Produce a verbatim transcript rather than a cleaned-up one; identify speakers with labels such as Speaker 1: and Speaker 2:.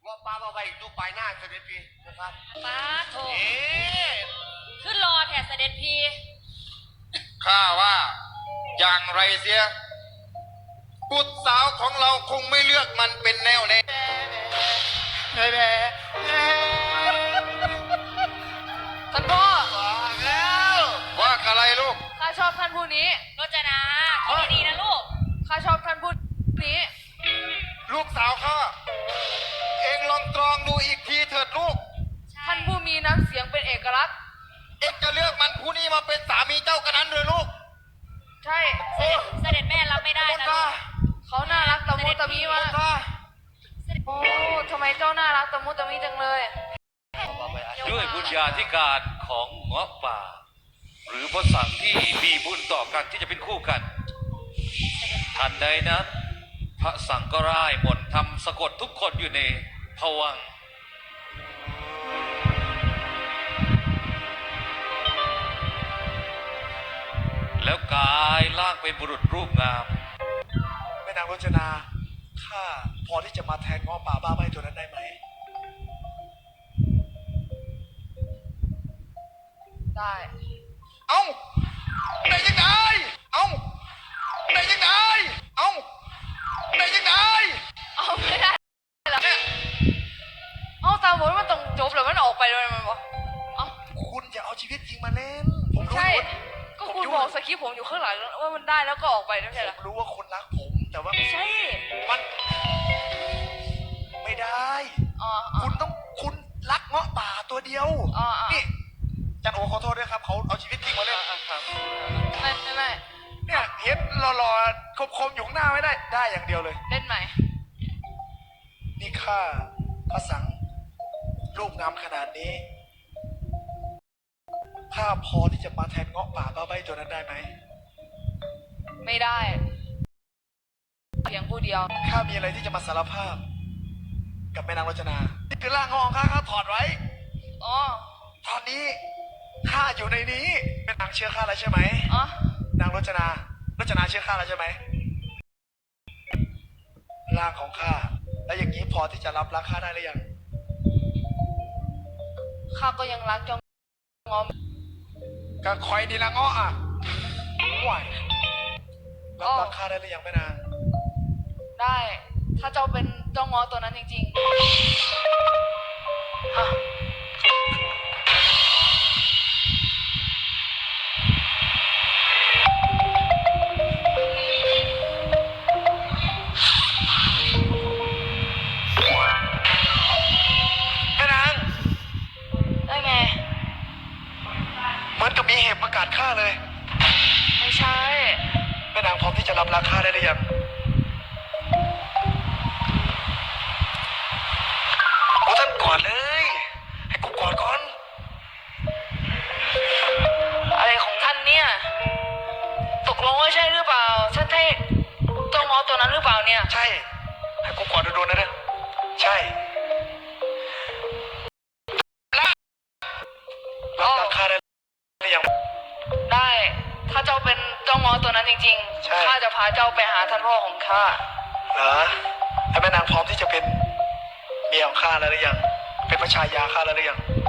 Speaker 1: ว่าป้ามาไปดูปลายหน้าเสด็จพี่นะครับ
Speaker 2: ป้าโถ
Speaker 1: เอ๊ะ
Speaker 2: ขึ้นรอแถเสด็จพี
Speaker 3: ข้าว่าอย่างไรเสียบุตรสาวของเราคงไม่เลือกมันเป็นแนวแน่แน่แน่แน่
Speaker 4: ท่านพ่อ
Speaker 1: ว่าแล้ว
Speaker 3: ว่าอะไรลูก
Speaker 4: ข้าชอบท่านผู้นี้
Speaker 2: รจนาคิดดีๆนะลูก
Speaker 4: ข้าชอบท่านผู้นี้
Speaker 3: ลูกสาวข้าเองลองตรองดูอีกทีเถิดลูก
Speaker 4: ท่านผู้มีน้ำเสียงเป็นเอกลักษณ์
Speaker 3: เองจะเลือกมันผู้นี้มาเป็นสามีเจ้ากันนั้นเลยลูก
Speaker 4: ใช่
Speaker 2: เสด็จเสด็จแม่รับไม่ได้
Speaker 3: บน
Speaker 2: นะ
Speaker 3: ตา
Speaker 4: เขาน่ารักตะมุตะมิ
Speaker 3: บ
Speaker 4: มาน ก
Speaker 3: ตา
Speaker 4: โอ้ทำไมเจ้าน่ารักตะมุตะมิจังเลย
Speaker 5: ด้วยบุญญาธิการของเงาะป่า หรือพระสังฆ์ที่มีบุญต่อกันที่จะเป็นคู่กันทันใดนั้นพระสังฆ์ก็ร่ายมนต์ทำสะกดทุกคนอยู่ในภวังค์แล้วกายล่างเป็นบุรุษรูปงาม
Speaker 6: แม่นางรจนา ข้าพอที่จะมาแทนง้อป่าบ้าใบตัวนั้นได้ไหม
Speaker 4: ได้
Speaker 3: เอ้าได้ยังไงเอ้าได้ยังไงเอ้าได้ยังไง
Speaker 4: เอาไม่ได้เหรอเอาตามบทมันต้องจบแล้วมันออกไปเลยมันบอกเอา
Speaker 6: คุณอย่าเอาชีวิตจริงมาเล่น ผมรู้
Speaker 4: ใช่
Speaker 6: ว่า
Speaker 4: ก็คุณบอกสคริปต์ผมอยู่ข้างหลังว่ามันได้แล้วก็ออกไปไม่ใช่เหรอ
Speaker 6: ผมรู้ว่าคุณรักผม แต่ว่า
Speaker 4: ใช่
Speaker 6: มันไม่ได้
Speaker 4: อ๋ออ๋อ
Speaker 6: คุณต้องคุณรักเงาะป่าตัวเดียว
Speaker 4: อ๋ออ๋อ
Speaker 6: นี่จันโอขอโทษด้วยครับเขาเอาชีวิตจริงมาเล่น
Speaker 4: ไม่ไม่ไม่
Speaker 6: เนี่ยเห็นหล่อๆคมๆอยู่ข้างหน้าไม่ได้ ได้อย่างเดียวเลย
Speaker 4: เล่นใหม่
Speaker 6: นี่ข้าพระสังฆ์รูปงามขนาดนี้ ข้าพอที่จะมาแทนเงาะป่าบ้าใบตัวนั้นได้ไหม
Speaker 4: ไม่ได้เพียงผู้เดียว
Speaker 6: ข้ามีอะไรที่จะมาสารภาพ กับแม่นางรจนา นี่คือร่างของข้าข้าถอดไว้
Speaker 4: อ๋อ
Speaker 6: ตอนนี้ข้าอยู่ในนี้แม่นางเชื่อข้าแล้วใช่ไหม
Speaker 4: อ๋อ
Speaker 6: นางรจนา รจนาเชื่อข้าแล้วใช่ไหมร่างของข้า แล้วอย่างนี้พอที่จะรับรักข้าได้หรือยัง
Speaker 4: ข้าก็ยังรักเจ้างอม
Speaker 6: ก็คอยดีละเงาะอ่ะไหวรับรักข้าได้หรือยังแม่นาง
Speaker 4: ได้ ถ้าเจ้าเป็นเจ้างอตัวนั้นจริงๆฮะ
Speaker 6: แม่นาง
Speaker 4: ได้ไง
Speaker 6: เหมือนกับมีเหตุประกาศข้าเลย
Speaker 4: ไม่ใช่
Speaker 6: แม่นางพร้อมที่จะรับรักข้าได้หรือยังโอ้ท่านกอดเลย ให้กูกอดก่อน
Speaker 4: อะไรของท่านเนี่ย ตกลงว่าใช่หรือเปล่าท่านใช่เจ้างอตัวนั้นหรือเปล่าเนี่ย
Speaker 6: ใช่ ให้กูกอดโดนๆนะเด้อใช่รับรักข้าได้หรือยัง
Speaker 4: ได้ ถ้าเจ้าเป็นเจ้างอตัวนั้นจริง
Speaker 6: ใช่
Speaker 4: ๆ ข้าจะพาเจ้าไปหาท่านพ่อของข้า
Speaker 6: เหรอให้แม่นางพร้อมที่จะเป็นเมียของข้าแล้วหรือยัง เป็นพระชายาข้าแล้วหรือยัง